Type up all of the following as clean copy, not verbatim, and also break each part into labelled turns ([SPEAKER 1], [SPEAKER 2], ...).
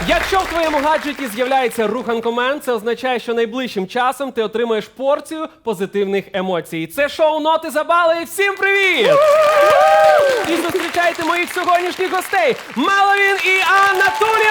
[SPEAKER 1] Якщо в твоєму гаджеті з'являється руханкомен, це означає, що найближчим часом ти отримаєш порцію позитивних емоцій. Це шоу «Ноти за бали». Всім привіт! І зустрічайте моїх сьогоднішніх гостей Меловін і Анна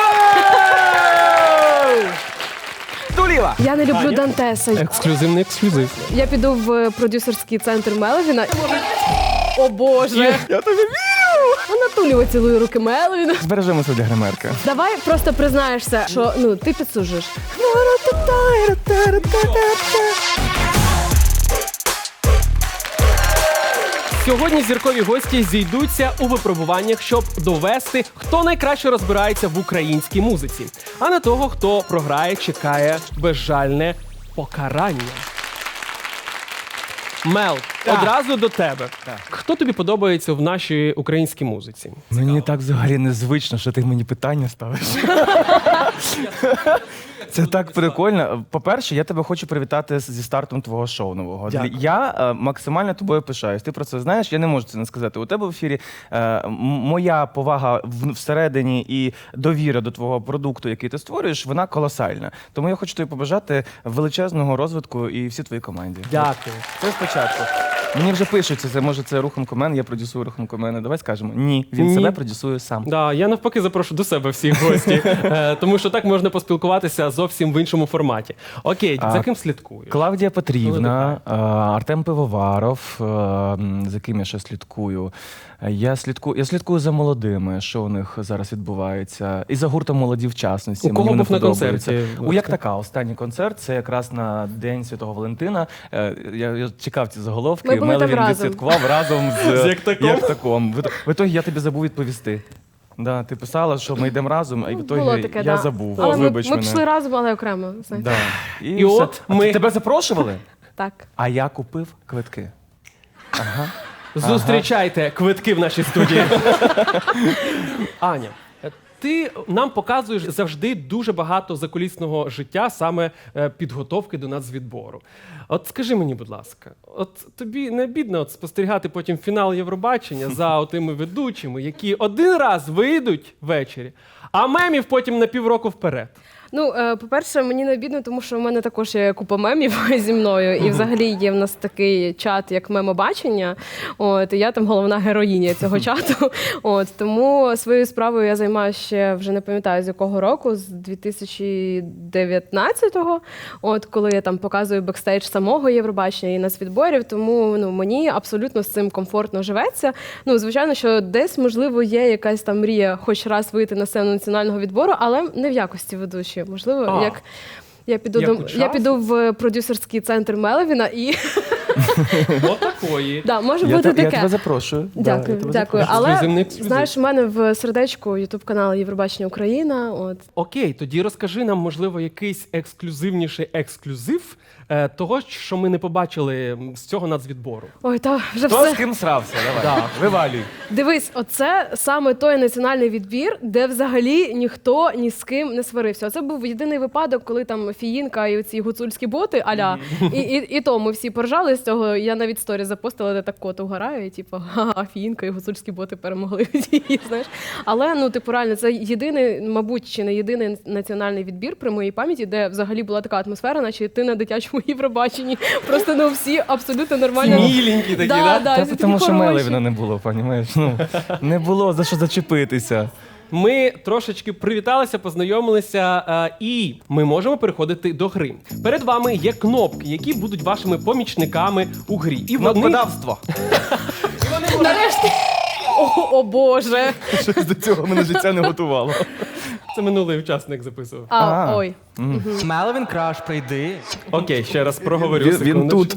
[SPEAKER 1] Тулєва!
[SPEAKER 2] Я не люблю Дантеса.
[SPEAKER 1] Ексклюзивний ексклюзив.
[SPEAKER 2] Я піду в продюсерський центр Меловіна. О Боже!
[SPEAKER 3] Я тобі вірю!
[SPEAKER 2] Вона Тулєва цілує руки Меловіна.
[SPEAKER 3] Збережемося для гримерки.
[SPEAKER 2] Давай просто признаєшся, що ти підсуджуєш.
[SPEAKER 1] Сьогодні зіркові гості зійдуться у випробуваннях, щоб довести, хто найкраще розбирається в українській музиці. А на того, хто програє, чекає безжальне покарання. Мел, одразу до тебе. Хто тобі подобається в нашій українській музиці?
[SPEAKER 3] Мені так взагалі незвично, що ти мені питання ставиш. Це так прикольно. По-перше, я тебе хочу привітати зі стартом твого шоу нового.
[SPEAKER 1] Дякую.
[SPEAKER 3] Я максимально тобою пишаюсь. Ти про це знаєш, я не можу це не сказати. У тебе в ефірі моя повага всередині і довіра до твого продукту, який ти створюєш, вона колосальна. Тому я хочу тобі побажати величезного розвитку і всій твоїй команді.
[SPEAKER 1] Дякую.
[SPEAKER 3] Це спочатку. Мені вже пишуть, може це Руханкомен, я продюсую Руханкомена. Давай скажемо. Ні, він
[SPEAKER 1] Ні.
[SPEAKER 3] себе продюсує сам.
[SPEAKER 1] Да, я навпаки запрошу до себе всіх гості, тому що так можна поспілкуватися зовсім в іншому форматі. Окей, за ким слідкуєш?
[SPEAKER 3] Клавдія Петрівна, Артем Пивоваров, за ким я ще слідкую. Я слідкую за молодими, що у них зараз відбувається. І за гуртом «Молоді в частності».
[SPEAKER 1] У кого
[SPEAKER 3] Мені
[SPEAKER 1] був на
[SPEAKER 3] подобається.
[SPEAKER 1] концерті?
[SPEAKER 3] У Як така, останній концерт. Це якраз на День Святого Валентина. Я чекав ці заголовки.
[SPEAKER 2] Ми були там
[SPEAKER 3] Меловін
[SPEAKER 2] разом.
[SPEAKER 3] відсвяткував разом з
[SPEAKER 1] Як таком?
[SPEAKER 3] Як таком. В ітогі я тобі забув відповісти. Да, ти писала, що ми йдемо разом, а в
[SPEAKER 2] Було
[SPEAKER 3] ітогі
[SPEAKER 2] таке,
[SPEAKER 3] я
[SPEAKER 2] да.
[SPEAKER 3] забув.
[SPEAKER 2] Але
[SPEAKER 3] Вибач
[SPEAKER 2] ми
[SPEAKER 3] мене.
[SPEAKER 2] пішли разом, але окремо. Знаєте.
[SPEAKER 3] Да.
[SPEAKER 1] І
[SPEAKER 3] все.
[SPEAKER 1] от ми-
[SPEAKER 3] Тебе запрошували?
[SPEAKER 2] Так.
[SPEAKER 3] А я купив квитки.
[SPEAKER 1] Зустрічайте квитки в нашій студії. Аня, ти нам показуєш завжди дуже багато закулісного життя, саме підготовки до нацвідбору. От скажи мені, будь ласка, от тобі не бідно спостерігати потім фінал Євробачення за отими ведучими, які один раз вийдуть ввечері, а мемів потім на півроку вперед?
[SPEAKER 2] По-перше, мені не обідно, тому що в мене також є купа мемів зі мною. І взагалі є в нас такий чат, як мемобачення. І я там головна героїня цього чату. Тому своєю справою я займаюся ще, вже не пам'ятаю, з якого року, з 2019-го, коли я там показую бекстейдж самого Євробачення і нацвідборів. Тому мені абсолютно з цим комфортно живеться. Звичайно, що десь, можливо, є якась там мрія хоч раз вийти на сцену національного відбору, але не в якості ведучої. Можливо, як я піду в продюсерський центр Меловіна і
[SPEAKER 1] Отакої.
[SPEAKER 2] може
[SPEAKER 3] Я
[SPEAKER 2] бути таке.
[SPEAKER 3] Я тебе запрошую.
[SPEAKER 2] Дякую,
[SPEAKER 3] Да, я тебе
[SPEAKER 2] дякую.
[SPEAKER 3] запрошую.
[SPEAKER 2] Але
[SPEAKER 1] Ексклюзивний ексклюзив.
[SPEAKER 2] знаєш, у мене в сердечку ютуб-канал Євробачення Україна.
[SPEAKER 1] Окей, тоді розкажи нам, можливо, якийсь ексклюзивніший ексклюзив того, що ми не побачили з цього нацвідбору.
[SPEAKER 2] Ой, та вже
[SPEAKER 3] Хто з
[SPEAKER 2] все.
[SPEAKER 3] ким срався? Давай, вивалюй.
[SPEAKER 2] Дивись, оце саме той національний відбір, де взагалі ніхто ні з ким не сварився. Оце був єдиний випадок, коли там Фіїнка і оці гуцульські боти, аля, і то ми всі поржали з цього. Я навіть сторі запостила, де так кот угорає, і типу, ха-ха, Фіїнка і гуцульські боти перемогли. Знаєш. Але, реально, це єдиний, мабуть, чи не єдиний національний відбір при моїй пам'яті, де взагалі була така атмосфера, наче ти на дитячому Євробаченні. Просто, всі абсолютно нормально.
[SPEAKER 1] Міленькі такі, да?
[SPEAKER 2] Да,
[SPEAKER 3] Та
[SPEAKER 2] всі
[SPEAKER 3] тому
[SPEAKER 2] такі
[SPEAKER 3] що
[SPEAKER 2] хороші.
[SPEAKER 3] Меловіна не було, понімаєш? Не було за що зачепитися.
[SPEAKER 1] Ми трошечки привіталися, познайомилися, і ми можемо переходити до гри. Перед вами є кнопки, які будуть вашими помічниками у грі. І вони...
[SPEAKER 3] Кнопкодавство.
[SPEAKER 2] Нарешті. О Боже.
[SPEAKER 3] Щось до цього мене життя не готувало.
[SPEAKER 1] Це минулий учасник записував.
[SPEAKER 2] Ой.
[SPEAKER 4] Меловін Краш, прийди.
[SPEAKER 1] Окей, ще раз проговорю.
[SPEAKER 3] Він
[SPEAKER 1] секундочку.
[SPEAKER 3] тут.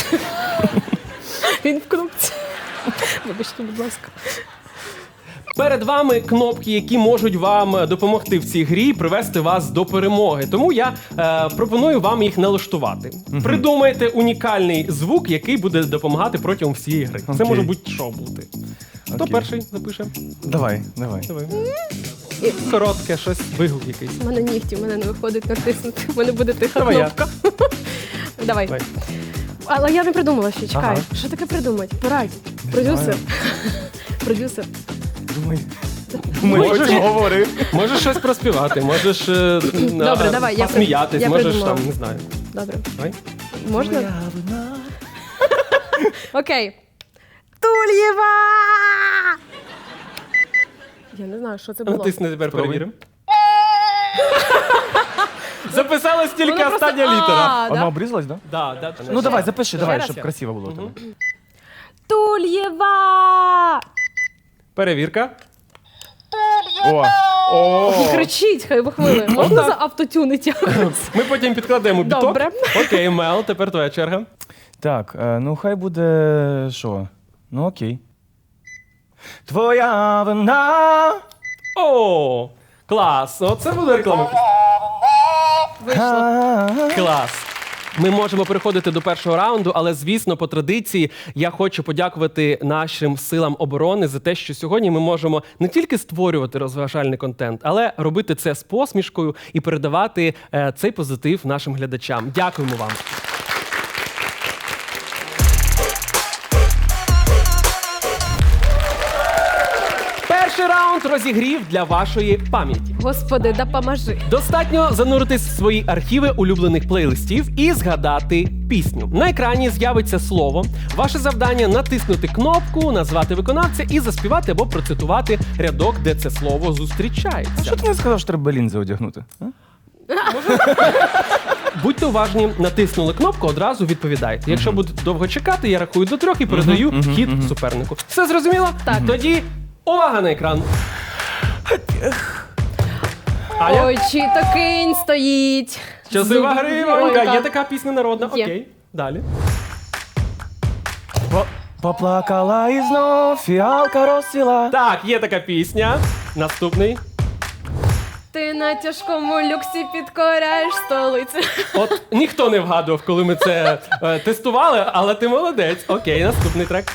[SPEAKER 2] Він в кнопці. Вибачте, будь ласка.
[SPEAKER 1] Перед вами кнопки, які можуть вам допомогти в цій грі і привести вас до перемоги. Тому я пропоную вам їх налаштувати. Придумайте унікальний звук, який буде допомагати протягом всієї гри. Це
[SPEAKER 3] Окей.
[SPEAKER 1] може бути що бути. Хто
[SPEAKER 3] Окей.
[SPEAKER 1] перший запише?
[SPEAKER 3] Давай.
[SPEAKER 1] Давай. Коротке щось, вигук якийсь.
[SPEAKER 2] У мене нігті, у мене не виходить натиснути. У мене буде тиха
[SPEAKER 1] Давай я.
[SPEAKER 2] кнопка. Давай.
[SPEAKER 1] Давай.
[SPEAKER 2] Але я не придумала ще, чекай.
[SPEAKER 3] Ага.
[SPEAKER 2] Що таке придумати? Порадь. Продюсер. Продюсер.
[SPEAKER 3] Думай.
[SPEAKER 1] Можеш,
[SPEAKER 3] говори.
[SPEAKER 1] можеш щось проспівати, можеш
[SPEAKER 2] Добре, давай, я
[SPEAKER 1] посміятись,
[SPEAKER 2] я
[SPEAKER 1] можеш
[SPEAKER 2] придумала.
[SPEAKER 1] там, не знаю.
[SPEAKER 2] Добре.
[SPEAKER 1] Давай.
[SPEAKER 2] Можна? Окей. Тульєва! Я не знаю, що це було.
[SPEAKER 1] Натисни тепер,
[SPEAKER 3] Спробуй.
[SPEAKER 1] перевіримо. Записалась тільки
[SPEAKER 2] Воно просто-
[SPEAKER 1] остання літера.
[SPEAKER 3] Вона
[SPEAKER 2] да?
[SPEAKER 3] обрізалась, так?
[SPEAKER 1] Да, да.
[SPEAKER 3] Ну давай, запиши,
[SPEAKER 2] Ще
[SPEAKER 3] давай,
[SPEAKER 2] раз
[SPEAKER 3] щоб
[SPEAKER 2] я.
[SPEAKER 3] красиво було у тебе.
[SPEAKER 2] Тульєва!
[SPEAKER 1] Перевірка.
[SPEAKER 3] О,
[SPEAKER 2] Кричіть, хай вихвили. Можна за автотюнить якось?
[SPEAKER 1] Ми потім підкладемо біток.
[SPEAKER 2] Добре.
[SPEAKER 1] Окей, Мел, тепер твоя черга.
[SPEAKER 3] так, ну хай буде що? Ну окей. Твоя вина.
[SPEAKER 1] О, клас. Оце буде реклама.
[SPEAKER 2] Вийшло.
[SPEAKER 1] Клас. Ми можемо переходити до першого раунду, але звісно, по традиції я хочу подякувати нашим силам оборони за те, що сьогодні ми можемо не тільки створювати розважальний контент, але робити це з посмішкою і передавати цей позитив нашим глядачам. Дякуємо вам. Перший раунд розігрів для вашої пам'яті.
[SPEAKER 2] Господи, допоможи.
[SPEAKER 1] Достатньо зануритись в свої архіви улюблених плейлистів і згадати пісню. На екрані з'явиться слово. Ваше завдання натиснути кнопку, назвати виконавця і заспівати або процитувати рядок, де це слово зустрічається.
[SPEAKER 3] Що ти не сказав, що треба лінзи одягнути? А?
[SPEAKER 1] Будьте уважні, натиснули кнопку, одразу відповідайте. Якщо будете довго чекати, я рахую до 3 і передаю хід супернику. Все зрозуміло?
[SPEAKER 2] Так.
[SPEAKER 1] Тоді увага на екран. Аня?
[SPEAKER 2] Ой, чи то кинь стоїть.
[SPEAKER 1] Щаслива
[SPEAKER 2] Зуб-
[SPEAKER 1] гривонька.
[SPEAKER 2] Ой,
[SPEAKER 1] Є така пісня народна.
[SPEAKER 2] Є.
[SPEAKER 1] Окей. Далі.
[SPEAKER 3] Поплакала і знов фіалка розцвіла.
[SPEAKER 1] Так, є така пісня. Наступний.
[SPEAKER 2] Ти на тяжкому люксі підкоряєш столицю.
[SPEAKER 1] От ніхто не вгадував, коли ми це тестували, але ти молодець. Окей, наступний трек.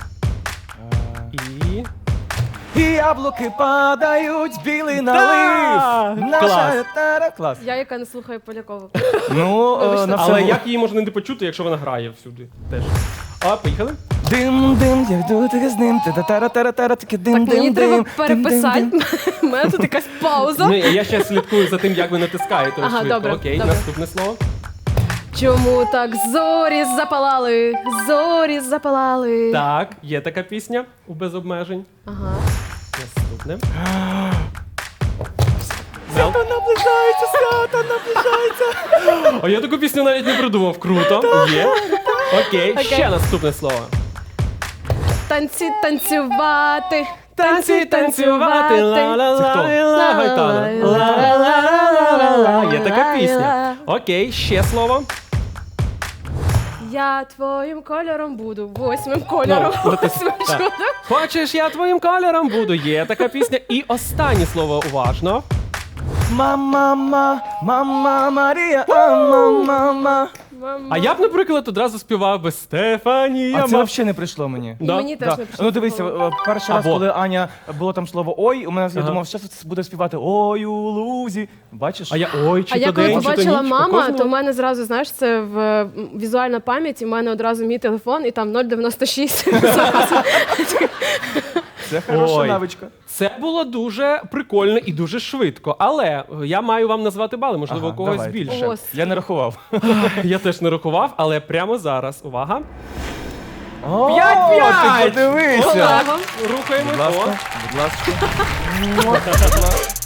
[SPEAKER 1] І...
[SPEAKER 3] І яблуки падають, білий
[SPEAKER 1] Да!
[SPEAKER 3] налив.
[SPEAKER 1] Клас.
[SPEAKER 3] Клас.
[SPEAKER 2] Я, яка не слухаю Полякову.
[SPEAKER 3] Ну,
[SPEAKER 2] Вибачте.
[SPEAKER 3] на все
[SPEAKER 1] Але
[SPEAKER 3] було.
[SPEAKER 1] як її можна не почути, якщо вона грає всюди? Теж. А, поїхали?
[SPEAKER 3] Дим, дим, я йду таки з ним, тара-тара-тара, таки дим,
[SPEAKER 2] Так,
[SPEAKER 3] дим,
[SPEAKER 2] мені
[SPEAKER 3] дим,
[SPEAKER 2] треба
[SPEAKER 3] дим,
[SPEAKER 2] переписати.
[SPEAKER 3] дим, дим.
[SPEAKER 2] У мене тут якась пауза.
[SPEAKER 1] Ну, я ще слідкую за тим, як ви натискаєте
[SPEAKER 2] Ага,
[SPEAKER 1] швидко.
[SPEAKER 2] добре,
[SPEAKER 1] Окей,
[SPEAKER 2] добре.
[SPEAKER 1] наступне слово.
[SPEAKER 2] Чому так зорі запалали? Зорі запалали.
[SPEAKER 1] Так, є така пісня у без обмежень.
[SPEAKER 2] Ага.
[SPEAKER 1] Наступне.
[SPEAKER 3] Свято наближається, свято наближається.
[SPEAKER 1] О, я таку пісню навіть не придумав. Круто. Є. Окей, ще наступне слово.
[SPEAKER 2] Танці танцювати.
[SPEAKER 1] Танці, танцювати, ла-ла-ла,
[SPEAKER 3] Це хто?
[SPEAKER 1] ла Гайтана. Ла-ла-ла-ла-ла. Є така пісня. Окей, ще слово.
[SPEAKER 2] Я твоїм кольором буду, 8 кольором.
[SPEAKER 1] Ну, от і-
[SPEAKER 2] 8
[SPEAKER 1] так.
[SPEAKER 2] чудом.
[SPEAKER 1] Хочеш, я твоїм кольором буду. Є така пісня. І останнє слово уважно.
[SPEAKER 3] Мама, мама, Марія, мама.
[SPEAKER 1] А я б, наприклад, одразу співав би Стефанія.
[SPEAKER 3] А це взагалі не прийшло мені.
[SPEAKER 2] І
[SPEAKER 1] Да,
[SPEAKER 2] мені теж
[SPEAKER 3] Да.
[SPEAKER 2] не прийшло.
[SPEAKER 3] Ну дивися, перший раз,
[SPEAKER 1] Або.
[SPEAKER 3] коли Аня було там слово ой, у мене я
[SPEAKER 1] Ага.
[SPEAKER 3] думав, що це буде співати ой у лузі. Бачиш?
[SPEAKER 1] А я ой, чи
[SPEAKER 2] А я
[SPEAKER 1] то
[SPEAKER 2] коли
[SPEAKER 1] день, чи то
[SPEAKER 2] побачила
[SPEAKER 1] ніч.
[SPEAKER 2] мама,
[SPEAKER 1] Кожного-
[SPEAKER 2] то в мене зразу, знаєш, це в візуальна пам'ять, і в мене одразу мій телефон, і там 096.
[SPEAKER 3] Це хороша
[SPEAKER 1] Ой.
[SPEAKER 3] навичка.
[SPEAKER 1] Це було дуже прикольно і дуже швидко. Але я маю вам назвати бали, можливо,
[SPEAKER 3] Ага,
[SPEAKER 1] у когось
[SPEAKER 3] давайте.
[SPEAKER 1] більше.
[SPEAKER 2] Ого.
[SPEAKER 3] Я не рахував.
[SPEAKER 1] Я теж не рахував, але прямо зараз. Увага.
[SPEAKER 3] О,
[SPEAKER 1] 5-5!
[SPEAKER 3] Ти подивися.
[SPEAKER 2] Олего.
[SPEAKER 1] Рухаємо.
[SPEAKER 3] Будь ласка,
[SPEAKER 1] О.
[SPEAKER 3] будь ласка.